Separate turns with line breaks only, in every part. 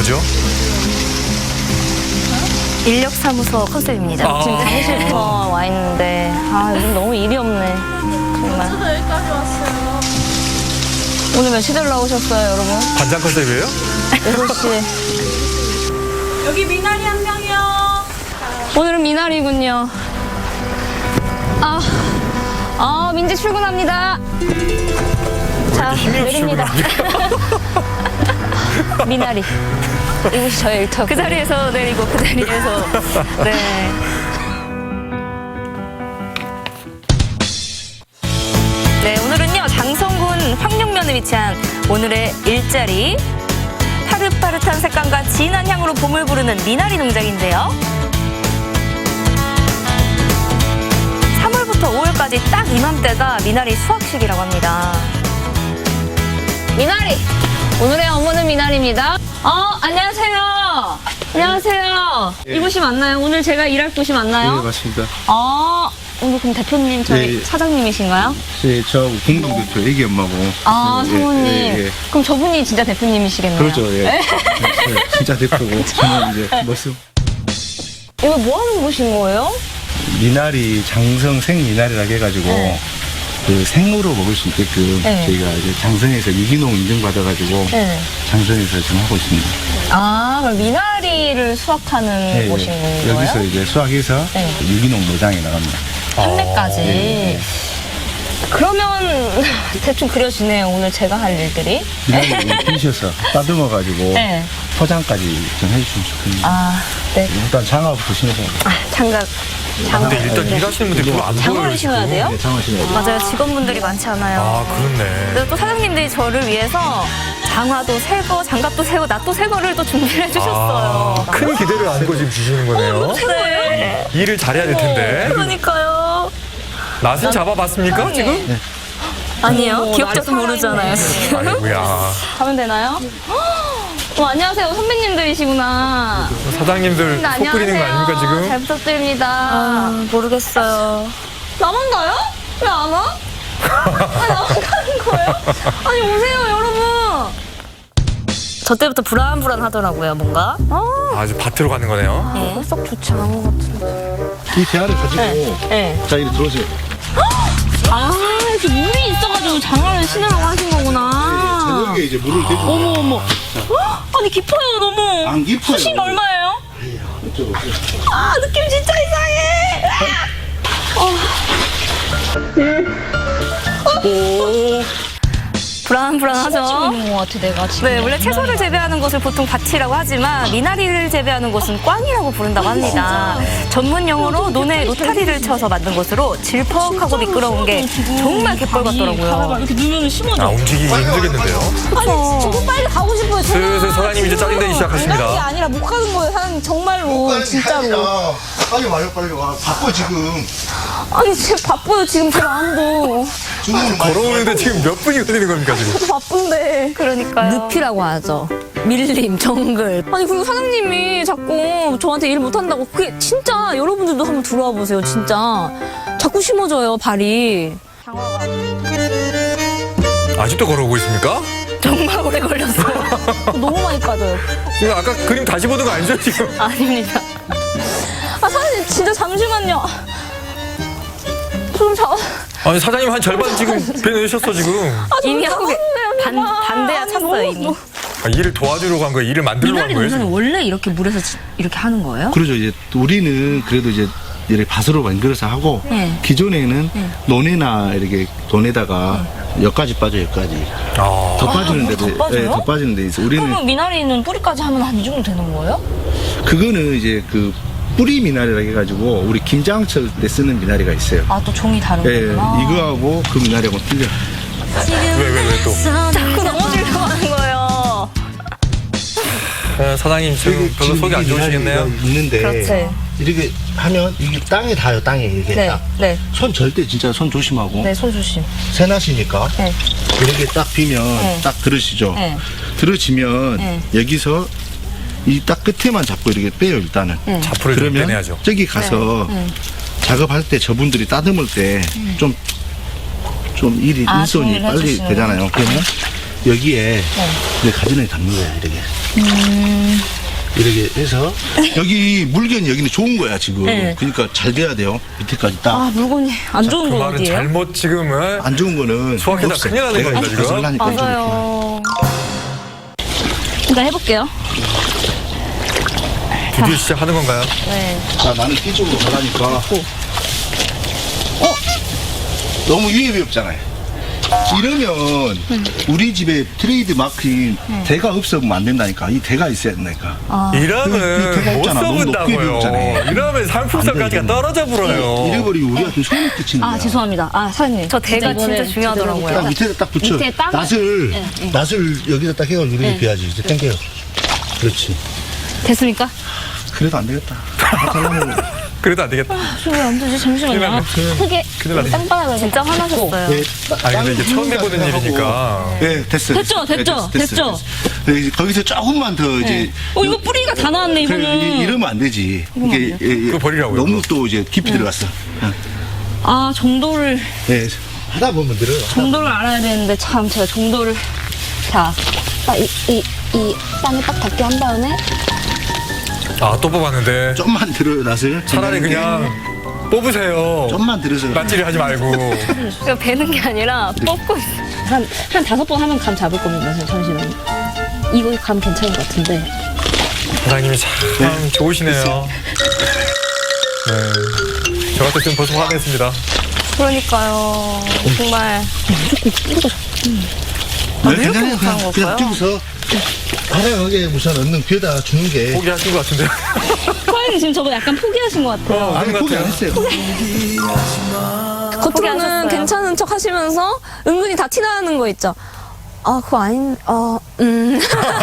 뭐죠?
인력사무소 컨셉입니다. 지금 대기실부터 와 있는데 요즘 너무 일이 없네. 정말.
저도 여기까지 왔어요.
오늘 몇 시들 나오셨어요, 여러분?
반장 컨셉이에요?
6시.
여기 미나리 한 명이요.
오늘은 미나리군요. 민지 출근합니다. 자,
힘이 없이
내립니다. 미나리. 이곳이 저의 일터. 그 자리에서 내리고 그 자리에서. 네. 네, 오늘은요 장성군 황룡면에 위치한 오늘의 일자리. 파릇파릇한 색감과 진한 향으로 봄을 부르는 미나리 농장인데요. 3월부터 5월까지 딱 이맘때가 미나리 수확식이라고 합니다. 미나리! 오늘의 어머는 미나리입니다. 안녕하세요. 안녕하세요. 이곳이 맞나요? 오늘 제가 일할 곳이 맞나요?
네, 맞습니다.
오늘 그럼 대표님, 저희
네.
사장님이신가요?
네, 저 공동대표 애기 엄마고.
사모님.
예.
그럼 저분이 진짜 대표님이시겠네요.
그렇죠, 예. 네, 진짜 대표고. 저는 이제 모습.
이거 뭐 하는 곳인 거예요?
미나리, 장성 생미나리라고 해가지고,
네.
그 생으로 먹을 수 있게끔
네.
저희가 이제 장성에서 유기농 인증받아가지고,
네.
장성에서 지금 하고 있습니다.
그럼 미나리를 수확하는
네,
곳인 거예요?
여기서 이제 수확해서
네.
유기농 노장에 나갑니다.
판매까지.
네.
그러면 대충 그려지네요. 오늘 제가 할 일들이.
미나리 피셔서 따듬어가지고,
네.
포장까지 좀 해주시면 좋겠습니다.
네.
일단 장화부터 신으세요.
장갑.
근데 일단 일하시는 분들이 별로 안 보여요.
장갑을 신어야 돼요?
네, 장화 신어야 돼요.
맞아요. 직원분들이 많지 않아요.
그렇네.
근데 또 사장님들이 저를 위해서 장화도 새거, 장갑도 새거, 낫도 새거를 또 준비를 해주셨어요.
큰 기대를 안고 지금 주시는 거네요.
네.
일을 잘해야 될 텐데.
그러니까요.
낯은 잡아봤습니까, 지금?
네.
아니요. 기억자도 모르잖아요, 지금.
아이고야.
가면 되나요? 안녕하세요. 선배님들이시구나.
사장님들 속 끓이는 거 아닙니까, 지금?
잘 부탁드립니다. 모르겠어요. 나만 가요? 왜 안 와? 나만 가는 거예요? 아니, 오세요, 여러분. 저 때부터 불안불안하더라고요, 뭔가.
아주 밭으로 가는 거네요.
네. 썩 좋지 않은 것 같은데.
이 대야를 가지고,
네.
자, 이리 들어오세요.
이렇게 물이 있어가지고 장화를 신으라고 하신 거구나.
저녁에 이제 물을 대주고.
어머. 아니, 깊어요, 너무.
안 깊어요.
수심 얼마예요?
이쪽으로 오세요.
느낌 진짜 이상해. 불안하죠?
있는 것 같아, 내가 지금.
네, 원래 채소를 재배하는 곳을 보통 밭이라고 하지만 미나리를 재배하는 곳은 꽝이라고 부른다고 합니다. 전문 용어로 논에 로타리를 쳐서 만든 곳으로 질퍽하고 미끄러운 게 정말 갯벌 같더라고요.
이렇게 누르면 심어져.
움직이기 힘들겠는데요.
저도 빨리 가고 싶어요.
슬슬 사장님 이제 짜증내기
미나리가
시작하십니다.
아니라 못 가는 거예요, 사장님. 정말로, 진짜로.
빨리 와요, 빨리 와. 바빠, 지금.
아니, 지금 바빠요, 지금 제 마음도.
주문을
걸어오는데 지금 몇 분이 걸리는 겁니까, 지금?
저도 바쁜데.
그러니까요.
늪이라고 하죠. 밀림, 정글. 아니, 그리고 사장님이 자꾸 저한테 일 못한다고. 그게 진짜 여러분들도 한번 들어와 보세요, 진짜. 자꾸 심어져요, 발이.
아직도 걸어오고 있습니까?
정말 오래 걸렸어요.
너무 많이 빠져요.
지금 아까 그림 다시 보는 거 아니죠, 지금?
아닙니다.
사장님, 진짜 잠시만요.
아니, 사장님 한 절반 지금 빼내셨어, 지금.
이미 하고 반대야 찼어요, 이미.
일을 도와주러 간 거예요? 일을 만들러 간 거예요? 지금?
원래 이렇게 물에서 이렇게 하는 거예요?
그러죠. 이제 우리는 그래도 이제 이렇게 밭으로 만들어서 하고,
네.
기존에는 논에나 이렇게 돈에다가 여기까지 빠져, 여기까지. 더 빠지는데도,
더 빠져요?
더 빠지는데 있어. 우리는
그러면 미나리는 뿌리까지 하면 한 이 정도 되는 거예요?
그거는 이제 그 뿌리 미나리라고 해가지고 우리 김장철 때 쓰는 미나리가 있어요.
또 종이 다른
예,
거구나.
이거하고 그 미나리하고 틀려.
왜 또?
자꾸 넘어지려고 하는 거예요.
사장님 지금 별로 속이 안 좋으시겠네요?
있는데
그렇지.
이렇게 하면 이게 땅에 닿아요, 땅에 이렇게
네,
딱.
네.
손 절대 진짜 손 조심하고.
네, 손 조심.
새나시니까
네.
이렇게 딱 비면 딱 들으시죠.
네.
들으시면
네.
여기서 이 딱 끝에만 잡고 이렇게 빼요, 일단은.
자풀을 좀
그러면
빼내야죠.
저기 가서 작업할 때 저분들이 따듬을 때 좀 일이 일손이
정리를
빨리
해주시는
되잖아요. 그러면 여기에 이제 가지런히 담는 거야, 이렇게. 이렇게 해서 여기 물견이 여기는 좋은 거야 지금.
네.
그러니까 잘 돼야 돼요. 밑에까지 딱.
아, 물건이 안 좋은
그
거
말은
어디예요?
잘못 지금은
안 좋은 거는
수확해다
없어.
큰일 나는
내가
겁니다, 지금.
거슬라니까 좀 이렇게.
맞아요.
일단 해볼게요.
드디어 시작하는 건가요?
네.
자, 나는 뒤쪽으로 가라니까. 너무 유입이 없잖아요. 이러면 우리 집에 트레이드 마크인 대가 없으면 안 된다니까. 이 대가 있어야 된다니까.
아.
이러면
대가
못
있잖아. 너무 높게
써본다고요.
배웠잖아요.
이러면 상품성까지가
안 돼,
떨어져 불어요.
잃어버리고 우리 같은 손을 끼치는 거야.
아, 죄송합니다. 아, 사장님.
저 대가
이번에
진짜 중요하더라고요.
딱 밑에다 딱 붙여.
밑에 땅을-
낫을 여기다 딱 해가지고 이렇게 비야지. 이제 당겨요. 그렇지.
됐습니까?
그래도 안 되겠다. 다 잘라먹어.
그래도 안 되겠다.
왜안 되지? 잠시만요. 크게
큰일 나네.
땅바닥을
진짜 화나셨어요.
네,
아니, 근데 이게 처음 해보는 일이니까.
네, 됐어요.
됐죠? 됐죠?
됐어요. 네, 이제 거기서 조금만 더 이제.
이거 뿌리가 다 나왔네,
그래,
이거는.
이러면 안 되지. 이게
그거 버리라고요,
너무
그거.
또 이제 깊이 들어갔어.
아, 정도를
하다 보면 늘어요.
알아야 되는데, 참, 제가 정도를. 자, 딱 이 땅에 딱 닿게 한 다음에.
아, 또 뽑았는데.
좀만 들어요, 낫을.
차라리 그냥 뽑으세요.
좀만 들어서.
낯질이 하지 말고.
그러니까 베는 게 아니라 뽑고 있어요.
한 5번 하면 감 잡을 겁니다. 잠시만요. 이거 감 괜찮은 것 같은데.
사장님이 참 좋으시네요. 네. 저 같았으면 벌써 화냈습니다.
그러니까요. 정말.
네,
이렇게
괜찮아요.
못하는
그냥
걸까요?
뛰고서 다양하게 우선 얻는 귀에다 주는 게.
포기하신 것 같은데.
사장님 지금 저거 약간 포기하신 것 같아요.
아닌 것
포기 안
같아요.
했어요.
겉으로는
포기하셨어요.
괜찮은 척 하시면서 은근히 다 티나는 거 있죠. 아, 그거 아닌, 그냥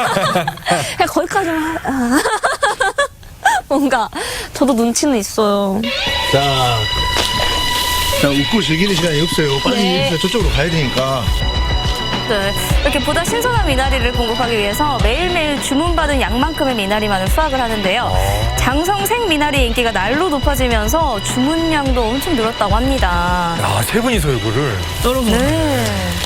거기까지만, 뭔가, 저도 눈치는 있어요.
자, 웃고 즐기는 시간이 없어요. 빨리
네.
저쪽으로 가야 되니까.
네. 이렇게 보다 신선한 미나리를 공급하기 위해서 매일매일 주문받은 양만큼의 미나리만을 수확을 하는데요. 장성생 미나리의 인기가 날로 높아지면서 주문량도 엄청 늘었다고 합니다.
야, 세 분이서 이거를.
여러분.
네.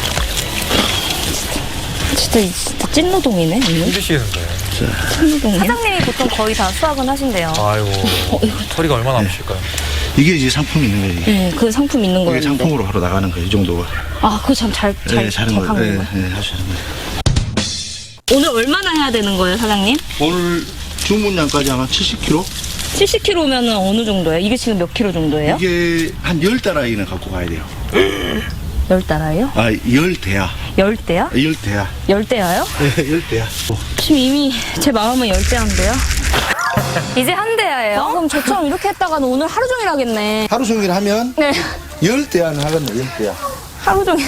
진짜 찐노동이네.
힘드시겠는데.
찐노동이야.
사장님이 보통 거의 다 수확은 하신대요.
아이고. 처리가 얼마나 남으실까요?
이게 이제 상품이 있는 거예요. 이게.
네, 그 상품 있는
이게
거였는데.
상품으로 바로 나가는 거예요. 이 정도가.
아, 그거 참 잘
잘하는 거예요.
하는 거예요.
하시는 거예요.
오늘 얼마나 해야 되는 거예요, 사장님?
오늘 주문량까지 아마 70kg?
70kg면 어느 정도예요? 이게 지금 몇 킬로 정도예요?
이게 한 10달아이는 갖고 가야 돼요.
10달아요?
아, 10대야.
10대요?
10대야.
10대야요?
네, 10대야.
지금 이미 제 마음은 10대인데요?
이제 한 대야예요.
그럼 저처럼 이렇게 했다가는 오늘 하루 종일 하겠네.
하루 종일 하면
네.
10대야는 하겠네, 10대야.
하루 종일.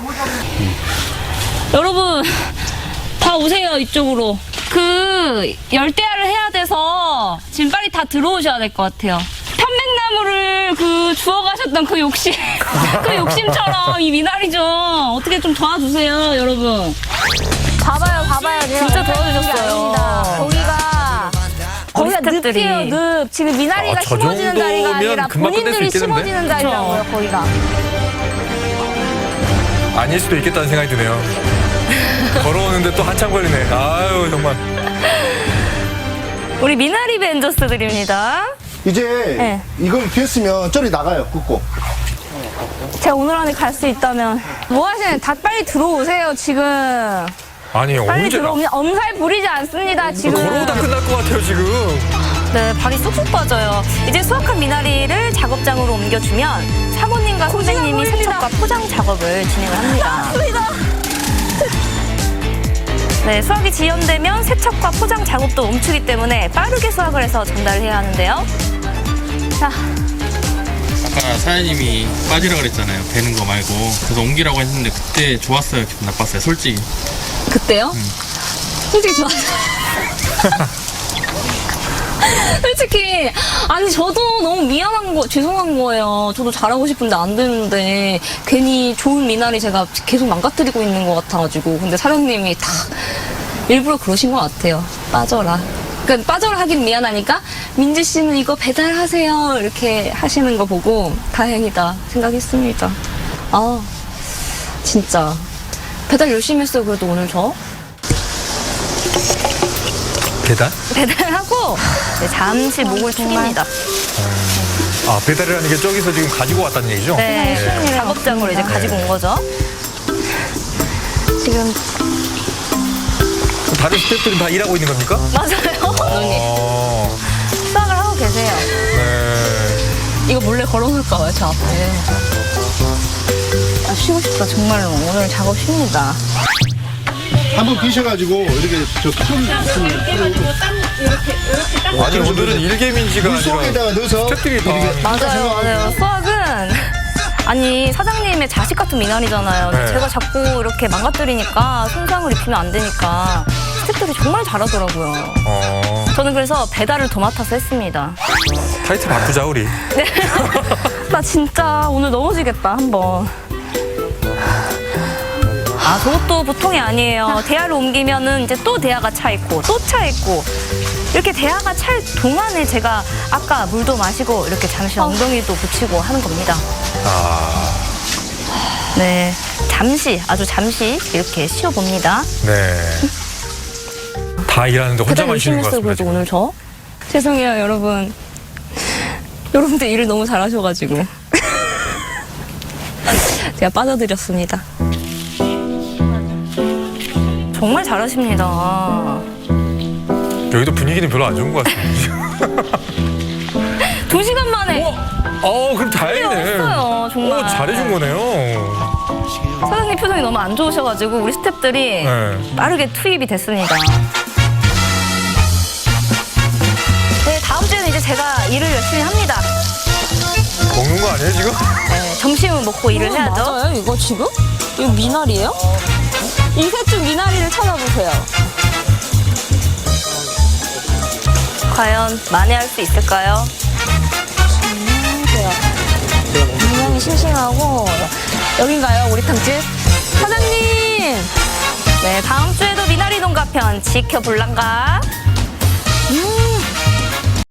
여러분, 다 오세요, 이쪽으로. 그, 열대야를 해야 돼서 지금 빨리 다 들어오셔야 될 것 같아요. 편백나무를 주워가셨던 그 욕심, 그 욕심처럼 이 미나리 좀 어떻게 좀 도와주세요, 여러분.
봐봐요. 진짜 도와주셨어요.
거기가
스태프들이.
늪이에요, 늪. 지금 미나리가
저
심어지는 자리가
정도면
아니라
금방 끝낼 수
본인들이
있겠는데?
심어지는 자리라고요, 거기가.
아닐 수도 있겠다는 생각이 드네요. 걸어오는데 또 한참 걸리네. 아유, 정말.
우리 미나리 벤저스들입니다.
이제
네.
이걸 비웠으면 저리 나가요, 굽고.
제가 오늘 안에 갈 수 있다면. 뭐 하시는, 다 빨리 들어오세요, 지금.
아니,
빨리
언제.
들어오면 엄살 부리지 않습니다, 지금.
걸어오다 끝날 것 같아요, 지금.
네, 발이 쏙쏙 빠져요. 이제 수확한 미나리를 작업장으로 옮겨주면 사모님과 선생님이 세척과 포장 작업을 진행을 합니다. 네, 수확이 지연되면 세척과 포장 작업도 멈추기 때문에 빠르게 수확을 해서 전달해야 하는데요. 자,
아까 사장님이 빠지라 그랬잖아요. 배는 거 말고. 그래서 옮기라고 했는데 그때 좋았어요. 기분 나빴어요. 솔직히.
그때요? 솔직히 좋았어요. 솔직히 아니 저도 너무 죄송한 거예요. 저도 잘하고 싶은데 안 되는데 괜히 좋은 미나리 제가 계속 망가뜨리고 있는 것 같아가지고 근데 사장님이 다 일부러 그러신 것 같아요. 빠져라. 그러니까 빠져라 하긴 미안하니까 민지 씨는 이거 배달하세요 이렇게 하시는 거 보고 다행이다 생각했습니다. 아 진짜 배달 열심히 했어요, 그래도 오늘 저.
배달?
배달하고 이제 잠시 목을 축입니다.
아, 배달을 하는 게 저기서 지금 가지고 왔다는 얘기죠?
네, 작업장으로 이제 가지고 온 거죠.
지금
다른 스태프들은 다 일하고 있는 겁니까?
맞아요.
어,
수학을 하고 계세요.
네.
이거 몰래 걸어놓을까 봐요, 저 앞에. 아, 쉬고 싶다, 정말로. 오늘 작업 쉽니다.
한번 비셔가지고 이렇게 저큰
아니, 오늘은 일개민지가 아니라
물속에다가 넣어서
스태프들이 다.
이렇게
맞아요, 맞아요. 수학은 아니 사장님의 자식 같은 미나리잖아요. 근데
네.
제가 자꾸 이렇게 망가뜨리니까 손상을 입히면 안 되니까 스태프들이 정말 잘하더라고요. 저는 그래서 배달을 더 맡아서 했습니다.
타이틀 바꾸자, 우리.
네. 나 진짜 오늘 넘어지겠다 한번. 아, 저것도 보통이 아니에요. 대야를 옮기면은 이제 또 대야가 차 있고 또 차 있고 이렇게 대야가 찰 동안에 제가 아까 물도 마시고 이렇게 잠시 엉덩이도 붙이고 하는 겁니다.
아,
네, 잠시 아주 잠시 이렇게 쉬어봅니다.
네. 다 일하는데
배달
혼자만
열심히
쉬는 것
했어요,
같습니다.
그래도
지금.
오늘 저. 죄송해요, 여러분. 여러분들 일을 너무 잘하셔가지고. 제가 빠져드렸습니다.
정말 잘하십니다.
여기도 분위기는 별로 안 좋은 것 같습니다.
2시간 만에
그럼 다행이네.
없어요, 정말.
잘해준 거네요.
사장님 표정이 너무 안 좋으셔가지고 우리 스태프들이
네.
빠르게 투입이 됐습니다. 네, 다음 주에는 이제 제가 일을 열심히 합니다.
먹는 거 아니에요, 지금?
네, 점심은 먹고 일을 해야죠.
맞아요, 이거 지금? 이거 미나리예요? 이 셋 중 미나리를 찾아보세요.
과연 만회할 수 있을까요?
굉장히 싱싱하고. 여긴가요, 우리 탕집? 사장님!
네, 다음 주에도 미나리 농가편 지켜볼란가?